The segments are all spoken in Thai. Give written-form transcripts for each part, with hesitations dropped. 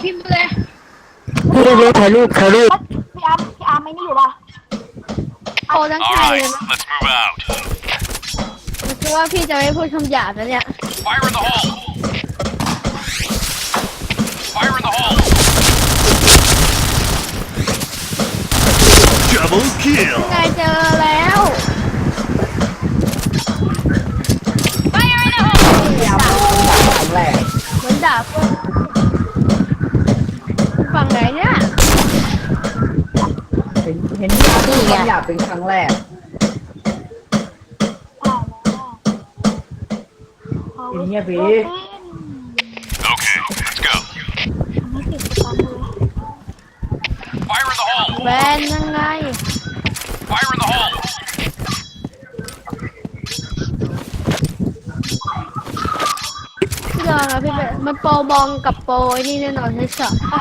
พิมพ์เลยพูดเร็วๆถ่ายรูปพี่อาร์มไม่นี่อยู่ป่ะโอ้ทั้ง All ไทยเลย right, นะ let's move out. ผมคิดว่าพี่จะไม่พูดคำหยาบนะเนี่ย Fire in the hole. Fire in the hole. Double kill. ไงเจอแล้วพี่อาร์มพูดครั้งแรกเหมือนดาบฝั่งไหนเนี่ยเห็นพี่อาร์มพูดคำหยาบเป็นครั้งแรกเงียบพี่ Okay, let's go. Fire in the hole. แบนยังไง Fire in the hole. พี่ลองนะพี่เบนมันโปรบองกับโปรไอ้นี่แน่นอนไม่ใช่ปะ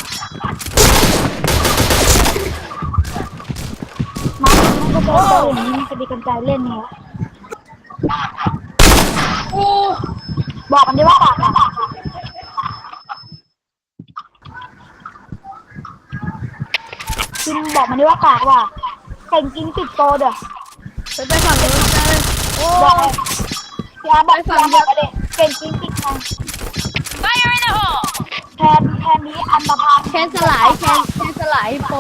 มันก็จะโดนอย่างนี้มันจะมีกำใจเล่นเนี่ยบอกมันดิว่าปากอะกินบอกมันดิว่าปากว่ะเก่งกินติดโตเด้อไปฝั่งนู้นเลยโอ้บอกเลยพี่อาร์บอกพี่อาร์บอกกันเลยเก่งกินติดไง Fire in the hole. แทนนี้อันตรพานแคนสลายแคนสลายโปร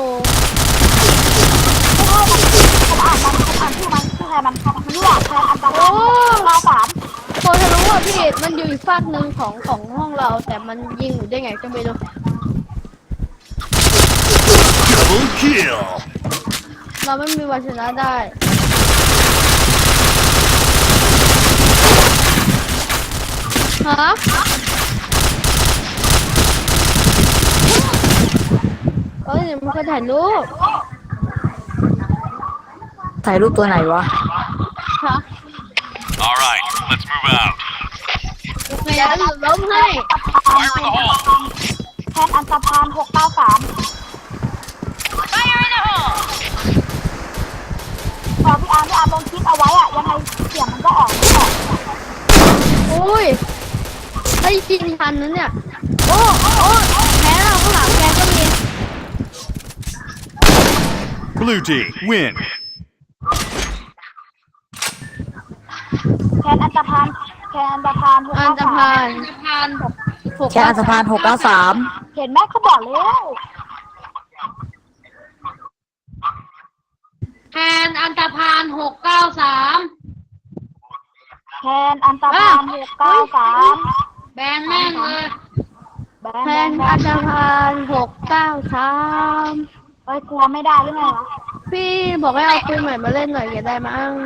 ผมอ่านชื่อมันชื่อแทนมันเลือกแทนอันตรพาน93 โปรทะลุอ่ะพี่มันอยู่อีกฝากหนึ่งของห้องเราแต่มันยิงอยู่ได้ไงก็ไม่รู้ Double kill. เราไม่มีวันชนะได้ฮะเอ้ยมันก็ถ่ายรูปถ่ายรูปตัวไหนวะฮะ All right, let's move out. ไงแล้วล้มให้ Fire in the hole. แทนอันตรพาน693 Fire in the hole. พอพี่อาร์ลงคลิปเอาไว้อะยังไงเสียงมันก็ออกอุ้ยได้ยินทันนั้นเนี่ยโอ้แพ้เราข้างหลังแกก็มี Blue team win. แทนอันตรพานอันตพานแค่อันสะพาน693 เห็นไหมเขาบอกแล้วแทนอันตพาน693 แทนอันตรพาน693 แบนแม่งเลยแบแทนนอันตพาน693 เอ้ยกลัวไม่ได้หรือไงวะพี่บอกให้เอาปืนใหม่มาเล่นหน่อยอย่าได้มั้ง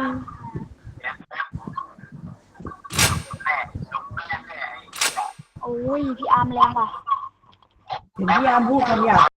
โอ้ยพี่อาร์มแรงว่ะเห็นพี่อาร์มพูดคำหยาบ